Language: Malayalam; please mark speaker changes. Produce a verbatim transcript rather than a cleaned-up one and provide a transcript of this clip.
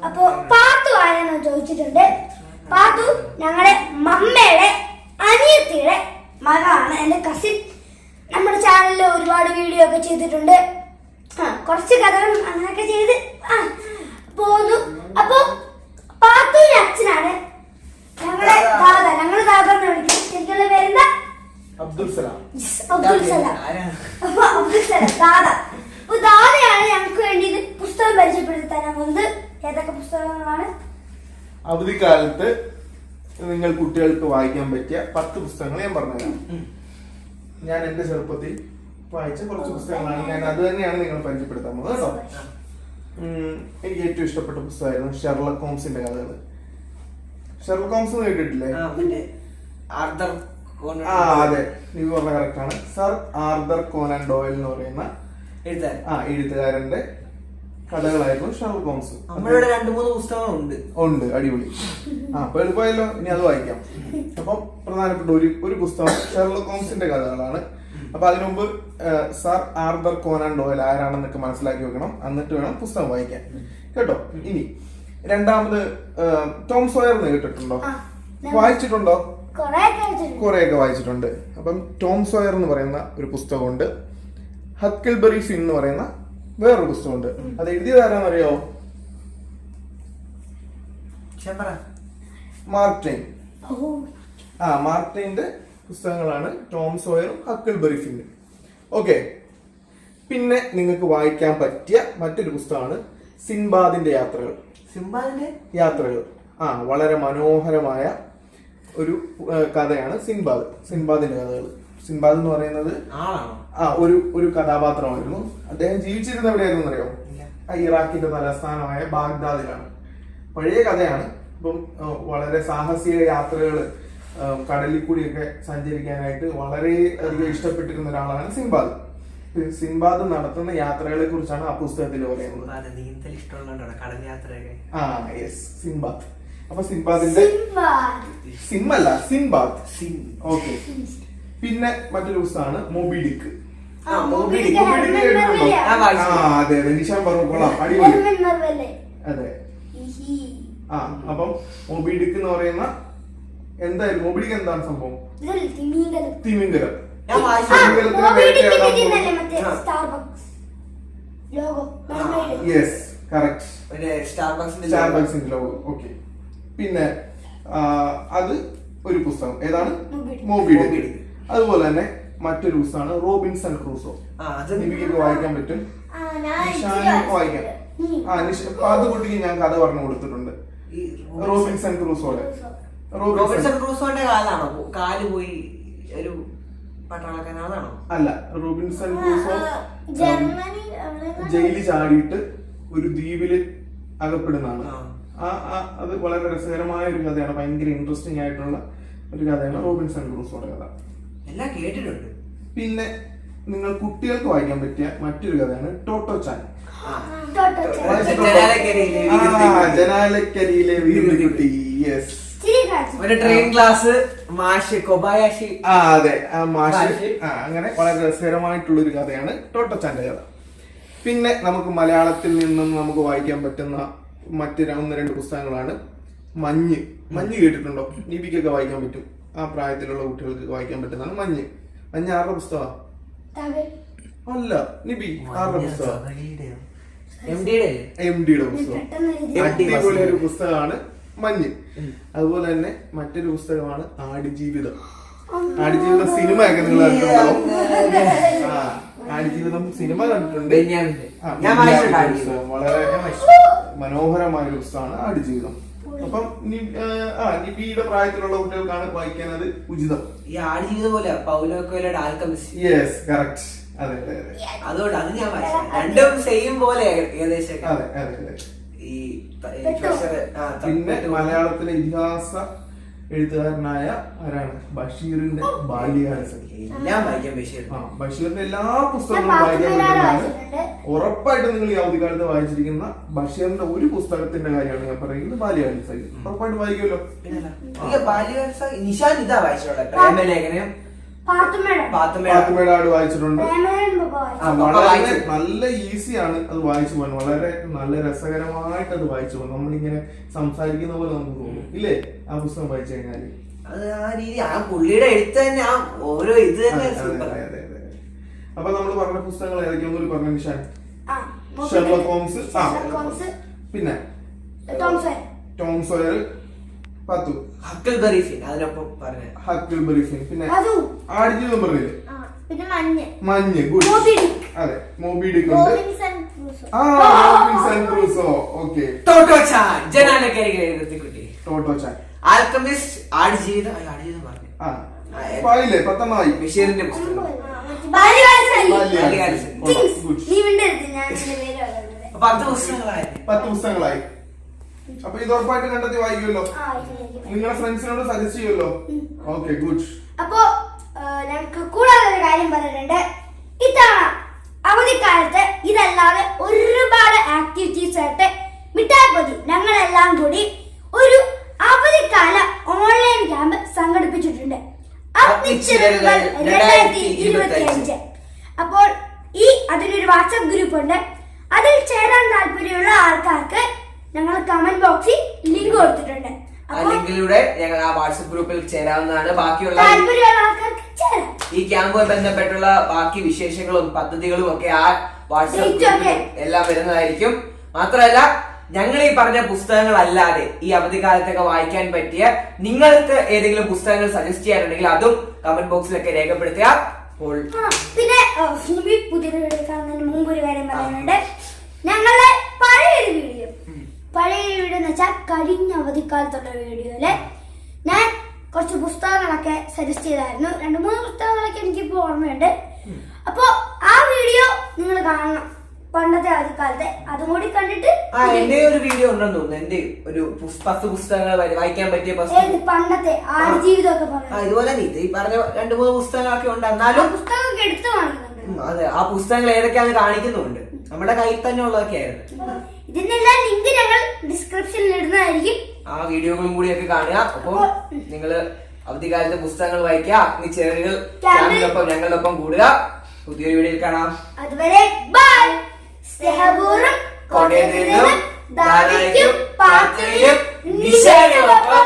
Speaker 1: അപ്പൊ പാത്തു ആരാന്ന് ചോദിച്ചിട്ടുണ്ട്. പാത്തു ഞങ്ങളുടെ മമ്മയുടെ അനിയത്തിയുടെ മകളാണ്, എന്റെ കസിൻ. നമ്മുടെ ചാനലിൽ ഒരുപാട് വീഡിയോ ഒക്കെ ചെയ്തിട്ടുണ്ട്. ആ കുറച്ച് കഥകളും അങ്ങനെയൊക്കെ ചെയ്ത് ആ പോന്നു. അപ്പൊ പാത്തുവിന്റെ അച്ഛനാണ് ഞങ്ങളുടെ ദാദ. ഞങ്ങള് ദാദ എന്ന് വിളിക്കും. ശരിക്കുള്ള പേരെന്താ?
Speaker 2: അബ്ദുൽ സലാം.
Speaker 1: അബ്ദുൽ സലാം. അപ്പൊ അബ്ദുൽ സലാം ദാദ. അപ്പൊ ദാദയാണ് ഞങ്ങൾക്ക് വേണ്ടി ഇത് പുസ്തകം പരിചയപ്പെടുത്തി തരാൻ പോകുന്നത്. ഏതൊക്കെ പുസ്തകങ്ങളാണ്?
Speaker 2: അവധിക്കാലത്ത് നിങ്ങൾ കുട്ടികൾക്ക് വായിക്കാൻ പറ്റിയ പത്ത് പുസ്തകങ്ങൾ ഞാൻ പറഞ്ഞുതരാം. ഞാൻ എന്റെ ചെറുപ്പത്തിൽ വായിച്ച കുറച്ച് പുസ്തകങ്ങളാണ്. ഞാൻ അത് തന്നെയാണ് നിങ്ങൾ പരിചയപ്പെടുത്താൻ പോകുന്നത് കേട്ടോ. എനിക്ക് ഏറ്റവും ഇഷ്ടപ്പെട്ട പുസ്തകമായിരുന്നു ഷെർലക് ഹോംസിന്റെ കഥകൾ. ഷെർലക് ഹോംസ് കേട്ടിട്ടില്ലേ? ആ അതെ, നീ പറഞ്ഞ കറക്റ്റ് ആണ്. സർ ആർതർ കോനൻ ഡോയൽ എന്ന് പറയുന്ന ആ എഴുത്തുകാരന്റെ കഥകളായിരുന്നു ഷെർലക് ഹോംസ്.
Speaker 3: നമ്മളിവിടെ രണ്ടു മൂന്ന് പുസ്തകങ്ങളുണ്ട്.
Speaker 2: ഉണ്ട്, അടിപൊളി. ആ അപ്പൊ എളുപ്പമായല്ലോ, ഇനി അത് വായിക്കാം. അപ്പം പ്രധാനപ്പെട്ട ഒരു ഒരു പുസ്തകം ഷെർലക് ഹോംസിന്റെ കഥകളാണ്. അപ്പൊ അതിനു മുമ്പ് സർ ആർതർ കോനൻ ഡോയൽ ആരാണെന്നൊക്കെ മനസ്സിലാക്കി വെക്കണം, എന്നിട്ട് വേണം പുസ്തകം വായിക്കാൻ കേട്ടോ. ഇനി രണ്ടാമത് ടോം സോയർ എന്ന് കേട്ടിട്ടുണ്ടോ? വായിച്ചിട്ടുണ്ടോ? കുറെയൊക്കെ വായിച്ചിട്ടുണ്ട്. അപ്പം ടോം സോയർ എന്ന് പറയുന്ന ഒരു പുസ്തകമുണ്ട്. ഹക്കിൾബറി ഫിൻ എന്ന് പറയുന്ന വേറൊരു പുസ്തകമുണ്ട്. അത് എഴുതിയത് ആരാന്നറിയോ? Mark Twain. ആ മാർക്ക് ട്വെയിന്റെ പുസ്തകങ്ങളാണ് ടോം സോയറും ഹക്കിൾബറി ഫിന്നും. ഓക്കെ, പിന്നെ നിങ്ങൾക്ക് വായിക്കാൻ പറ്റിയ മറ്റൊരു പുസ്തകമാണ് സിൻബാദിന്റെ യാത്രകൾ.
Speaker 3: സിൻബാദിന്റെ
Speaker 2: യാത്രകൾ ആ വളരെ മനോഹരമായ ഒരു കഥയാണ് സിൻബാദ്. സിൻബാദിന്റെ കഥകൾ. സിൻബാദ് എന്ന് പറയുന്നത് ആ ഒരു ഒരു കഥാപാത്രമായിരുന്നു. അദ്ദേഹം ജീവിച്ചിരുന്ന എവിടെയായിരുന്നു അറിയോ? ഇറാഖിന്റെ തലസ്ഥാനമായ ബാഗ്ദാദിലാണ്. പഴയ കഥയാണ്. ഇപ്പം വളരെ സാഹസിക യാത്രകൾ, കടലിൽ കൂടിയൊക്കെ സഞ്ചരിക്കാനായിട്ട് വളരെ അധികം ഇഷ്ടപ്പെട്ടിരുന്ന ഒരാളാണ് സിൻബാദ്. സിൻബാദ് നടത്തുന്ന യാത്രകളെ കുറിച്ചാണ് ആ പുസ്തകത്തിൽ പറയുന്നത്. ആ യെസ്, സിൻബാദ്. അപ്പൊ സിൻബാദിന്റെ സിമ്മല്ല സിൻബാദ്. ഓക്കെ, പിന്നെ മറ്റൊരു പുസ്തകമാണ് മോബി ഡിക്ക്. ആ അതെ അതെ, നിഷാൻ പറഞ്ഞു കൊള്ളാം, അടിപൊളി. അതെ ആ അപ്പം മോബി ഡിക്ക് എന്ന് പറയുന്ന എന്തായാലും മോബി ഡിക്ക് എന്താണ് സംഭവം? തിമിംഗലം. യെസ് കറക്റ്റ്, സ്റ്റാർബക്സിന്റെ ലോഗോ. ഓക്കെ, പിന്നെ അത് ഒരു പുസ്തകം. ഏതാണ്? മോബി ഡിക്ക്. അതുപോലെ തന്നെ മറ്റൊരു പുസ്തകമാണ് റോബിൻസൺ ക്രൂസോ. നിബിക്കൊക്കെ വായിക്കാൻ പറ്റും, നിഷാനൊക്കെ വായിക്കാം. ആ നിഷ പാതുകുട്ടിക്ക് ഞാൻ കഥ പറഞ്ഞു കൊടുത്തിട്ടുണ്ട്. റോബിൻസൺ ക്രൂസോടെ.
Speaker 3: റോബിൻസൺ ക്രൂസോന്റെ കാലാണോ കാല് പോയി ഒരു പട്ടാളക്കാരനാണോ?
Speaker 2: അല്ല, റോബിൻസൺ ക്രൂസോ ജയിലിൽ ചാടിയിട്ട് ഒരു ദ്വീപില് അകപ്പെടുന്നതാണ്. ആ അത് വളരെ രസകരമായ ഒരു കഥയാണ്. ഭയങ്കര ഇൻട്രസ്റ്റിംഗ് ആയിട്ടുള്ള ഒരു കഥയാണ് റോബിൻസൺ ക്രൂസോയുടെ കഥ.
Speaker 3: എല്ലാം കേട്ടിട്ടുണ്ട്.
Speaker 2: പിന്നെ നിങ്ങൾ കുട്ടികൾക്ക് വായിക്കാൻ പറ്റിയ മറ്റൊരു കഥയാണ് ടോട്ടോ ചാൻ. ജനാലക്കരിയിലെ വീർക്കുട്ടി. യെസ്,
Speaker 3: ട്രെയിൻ ക്ലാസ് മാഷ് കൊബായാഷി.
Speaker 2: ആ അതെ, ആ മാഷ്. ആ അങ്ങനെ വളരെ രസകരമായിട്ടുള്ള ഒരു കഥയാണ് ടോട്ടോ ചാന്റെ കഥ. പിന്നെ നമുക്ക് മലയാളത്തിൽ നിന്നും നമുക്ക് വായിക്കാൻ പറ്റുന്ന മറ്റ് ഒന്ന് രണ്ട് പുസ്തകങ്ങളാണ് മഞ്ഞ്. മഞ്ഞ് കേട്ടിട്ടുണ്ടോ? നിബിക്കൊക്കെ വായിക്കാൻ പറ്റും. ആ പ്രായത്തിലുള്ള കുട്ടികൾക്ക് വായിക്കാൻ പറ്റുന്നതാണ് മഞ്ഞ്. മഞ്ഞ് ആരുടെ പുസ്തകം? അല്ല, നിബി ആരുടെ പുസ്തകം? എം ഡിയുടെ പുസ്തകം. അടിപൊളി ഒരു പുസ്തകമാണ് മഞ്ഞ്. അതുപോലെ തന്നെ മറ്റൊരു പുസ്തകമാണ് ആടുജീവിതം. ആടുജീവിതം സിനിമ ഒക്കെ നിങ്ങൾ കണ്ടിട്ടുണ്ടാവും. ആ ആടുജീവിതം സിനിമ കണ്ടിട്ടുണ്ട്. വളരെ മനോഹരമായ ഒരു പുസ്തകമാണ് ആടുജീവിതം. അപ്പം ആ നിബിയുടെ പ്രായത്തിലുള്ള കുട്ടികൾക്കാണ് വായിക്കാൻ അത് ഉചിതം.
Speaker 3: ഈ ആടുജീവിതം പോലെ പൗലോ കൊയ്ലോയുടെ ആൽക്കെമിസ്റ്റ്.
Speaker 2: Yes correct. അതെ അതെ അതെ,
Speaker 3: അതുകൊണ്ട് അത് ഞാൻ വായിച്ചു. രണ്ടും സെയിം പോലെ ഏകദേശം.
Speaker 2: അതെ അതെ അതെ.
Speaker 3: ഈ
Speaker 2: പിന്നെ മലയാളത്തിലെ ഇതിഹാസ എഴുത്തുകാരനായ ആരാണ്? ബഷീറിന്റെ ബാല്യകാലസഖി.
Speaker 3: എല്ലാം വായിക്കാൻ ബഷീർ.
Speaker 2: ആ ബഷീറിന്റെ എല്ലാ പുസ്തകങ്ങളും വായിക്കാൻ പറ്റുന്നതാണ്. ഉറപ്പായിട്ടും നിങ്ങൾ ഈ അവധിക്കാലത്ത് വായിച്ചിരിക്കുന്ന ബഷീറിന്റെ ഒരു പുസ്തകത്തിന്റെ കാര്യമാണ് ഞാൻ പറയുന്നത്, ബാല്യകാലസഖി. ഉറപ്പായിട്ട് വായിക്കുമല്ലോ.
Speaker 3: ബാല്യകാലസഖി നിഷാൻ ഇതാ വായിച്ചോളെ. പ്രേമലേഖനം
Speaker 1: പാത്തുമ്മയുടെ
Speaker 3: പാത്തുമ്മയുടെ
Speaker 2: പാത്തുമ്മയുടെ ആട് വായിച്ചിട്ടുണ്ട്.
Speaker 1: പ്രേമലേഖനം പപ്പ വായിച്ചു.
Speaker 2: ആ, വളരെ നല്ല ഈസിയാണ് അത് വായിച്ചു പോകാൻ, വളരെ നല്ല രസകരമായിട്ട് അത് വായിച്ചു പോകാൻ. നമ്മളിങ്ങനെ സംസാരിക്കുന്ന പോലെ നമുക്ക് തോന്നും ഇല്ലേ ആ പുസ്തകം വായിച്ചു കഴിഞ്ഞാല്.
Speaker 3: അത് ആ രീതി ആ പുള്ളിയുടെ എഴുത്ത് തന്നെ ആ ഓരോ ഇത് തന്നെ
Speaker 2: അതെ,
Speaker 3: സൂപ്പർ.
Speaker 2: അതെ, അതെ, അതെ. അപ്പൊ നമ്മൾ പറഞ്ഞ പുസ്തകങ്ങൾ ഏതൊക്കെയൊന്നും പറഞ്ഞു നിഷാൻ?
Speaker 1: ആ,
Speaker 2: ഷെർലക് ഹോംസ്, ആ,
Speaker 1: ഷെർലക് ഹോംസ്,
Speaker 2: പിന്നെ
Speaker 1: ടോം സോയർ,
Speaker 2: ടോം സോയർ, പത്തു,
Speaker 3: ഹക്കിൾബറി ഫിൻ അതിനൊപ്പം പറഞ്ഞ
Speaker 2: ഹക്കിൾബറി ഫിൻ, പിന്നെ
Speaker 1: അതും
Speaker 2: ആടുജീവിതം പറഞ്ഞില്ലേ,
Speaker 1: ആ, പിന്നെ മഞ്ഞ്,
Speaker 2: മഞ്ഞ്, ഗുഡ്,
Speaker 1: മോബി ഡിക്ക്,
Speaker 2: അതെ, മോബി ഡിക്ക് ഉണ്ട്,
Speaker 1: റോബിൻസൺ ക്രൂസോ,
Speaker 2: ആ, Robinson Crusoe, okay,
Speaker 3: Totto Chan ജനാലക്കരികിലെ എഴുത്തുകുട്ടി,
Speaker 2: ടോട്ടോ ചാൻ,
Speaker 3: ആൽക്കമിസ്റ്റ്, ആടുജീവിതം ആ, ആടുജീവിതം പറഞ്ഞു
Speaker 2: ആ, പായില്ലേ പത്തെണ്ണമായി,
Speaker 3: ബഷീറിന്റെ പുസ്തകം.
Speaker 1: ബാല്യകാലസഖി,
Speaker 3: ബാല്യകാലസഖി.
Speaker 1: ചിങ്സ്,
Speaker 2: ഗുഡ്.
Speaker 1: നീ മിണ്ടരുത്, ഞാൻ ഇതിന്റെ പേര് പറയുന്നത്.
Speaker 3: അപ്പൊ പത്ത് പുസ്തകങ്ങളായിരുന്നു.
Speaker 2: പത്ത് പുസ്തകങ്ങളായി. അപ്പൊ ഇത് ഉറപ്പായിട്ട് കണ്ടെത്തി വായിക്കുമല്ലോ,
Speaker 1: ആ, ഇതിലേക്ക്.
Speaker 2: നിങ്ങളുടെ ഫ്രണ്ട്സിനോട് സജസ്റ്റ് ചെയ്യുമല്ലോ. Okay, good.
Speaker 1: അപ്പോ ആ, ഞങ്ങൾക്ക് കൂടാതെ ഒരു കാര്യം പറഞ്ഞിട്ടുണ്ട്. ഇത്തവണ അവധിക്കാലത്ത് ഇതല്ലാതെ ഒരുപാട് ആക്ടിവിറ്റീസ് ആയിട്ട് മിഠായിപ്പൊതി ഞങ്ങളെല്ലാം കൂടി ഒരു അവധിക്കാല ഓൺലൈൻ ക്യാമ്പ് സംഘടിപ്പിച്ചിട്ടുണ്ട്. അഗ്നിച്ചിറകുകൾ രണ്ടായിരത്തി ഇരുപത്തി അഞ്ച്. അപ്പോൾ ഈ അതിനൊരു വാട്സ്ആപ്പ് ഗ്രൂപ്പ് ഉണ്ട്. അതിൽ ചേരാൻ താല്പര്യമുള്ള ആൾക്കാർക്ക് ഞങ്ങൾ കമന്റ് ബോക്സിൽ ലിങ്ക് കൊടുത്തിട്ടുണ്ട്.
Speaker 3: ആ ലിങ്കിലൂടെ ഞങ്ങൾ ആ വാട്സ്ആപ്പ് ഗ്രൂപ്പിൽ ചേരാവുന്നതാണ്. ബാക്കിയുള്ള
Speaker 1: താല്പര്യമുള്ള ആൾക്കാർക്ക് ചേരാം.
Speaker 3: ഈ ക്യാമ്പുമായി ബന്ധപ്പെട്ടുള്ള ബാക്കി വിശേഷങ്ങളും പദ്ധതികളും ഒക്കെ ആ വാട്സ്ആപ്പ് ഗ്രൂപ്പിൽ എല്ലാം വരുന്നതായിരിക്കും. മാത്രമല്ല ഞങ്ങൾ ഈ പറഞ്ഞ പുസ്തകങ്ങൾ അല്ലാതെ ഈ അവധിക്കാലത്തൊക്കെ വായിക്കാൻ പറ്റിയ നിങ്ങൾക്ക് ഏതെങ്കിലും പുസ്തകങ്ങൾ സജസ്റ്റ് ചെയ്യാനുണ്ടെങ്കിൽ അതും കമന്റ് ബോക്സിലൊക്കെ രേഖപ്പെടുത്തുക. അപ്പോൾ
Speaker 1: ആ, പിന്നെ ആ, ഈ പുതിയൊരു വീഡിയോ കാണുന്നതിന് മുമ്പ് ഒരു കാര്യം പറയാനുണ്ട്. ഞങ്ങളുടെ പഴയൊരു വീഡിയോ പഴയ വീഡിയോ എന്ന് വെച്ചാൽ കഴിഞ്ഞ അവധിക്കാലത്തുള്ള വീഡിയോയില് ഞാൻ കുറച്ച് പുസ്തകങ്ങളൊക്കെ സജസ്റ്റ് ചെയ്തായിരുന്നു. രണ്ട് മൂന്ന് പുസ്തകങ്ങളൊക്കെ എനിക്കിപ്പോ ഓർമ്മയുണ്ട്. അപ്പോ ആ വീഡിയോ നിങ്ങൾ കാണണം, പണ്ടത്തെ അവധിക്കാലത്തെ. അതും കൂടി കണ്ടിട്ട്
Speaker 3: ആ എന്റെ ഒരു വീഡിയോ ഉണ്ടെന്ന് തോന്നുന്നു. എന്റെ ഒരു പുസ്- പത്ത് പുസ്തകങ്ങൾ വരെ വായിക്കാൻ പറ്റിയ
Speaker 1: ഏത്
Speaker 3: പുസ്തകം.
Speaker 1: പണ്ടത്തെ ആടുജീവിതം ഒക്കെ
Speaker 3: ആ
Speaker 1: പറഞ്ഞു
Speaker 3: ഇതുപോലെ തന്നെ ഇത് ഈ പറഞ്ഞ രണ്ടു മൂന്ന് പുസ്തകങ്ങളൊക്കെ ഉണ്ട്.
Speaker 1: ആ
Speaker 3: എന്നാലും
Speaker 1: പുസ്തകമൊക്കെ എടുത്തു കാണിക്കുന്നുണ്ട്.
Speaker 3: ഉം, അതെ ആ പുസ്തകങ്ങൾ ഏതൊക്കെയാണെന്ന് കാണിക്കുന്നുണ്ട്. നമ്മുടെ കയ്യിൽ തന്നെ ഉള്ളതൊക്കെ ആയിരുന്നു.
Speaker 1: ഇതിനെല്ലാം ലിങ്ക് ഞങ്ങൾ ഡിസ്ക്രിപ്ഷനിൽ ഇടുന്നതായിരിക്കും.
Speaker 3: ആ വീഡിയോകളും കൂടിയൊക്കെ കാണുക. അപ്പോൾ നിങ്ങള് അവധിക്കാലത്ത് പുസ്തകങ്ങൾ വായിക്കുക. അഗ്നിച്ചിറകുകൾ ക്യാമ്പിനൊപ്പം ഞങ്ങളുടെ ഒപ്പം കൂടുക. പുതിയൊരു വീഡിയോയിൽ കാണാം.
Speaker 1: അതുവരെ ബൈ. സ്നേഹപൂർവ്വം
Speaker 3: കോട്ടയത്ത് നിന്നും ദാനയ്ക്കും പാത്തുവിനും നിശാനുമൊപ്പം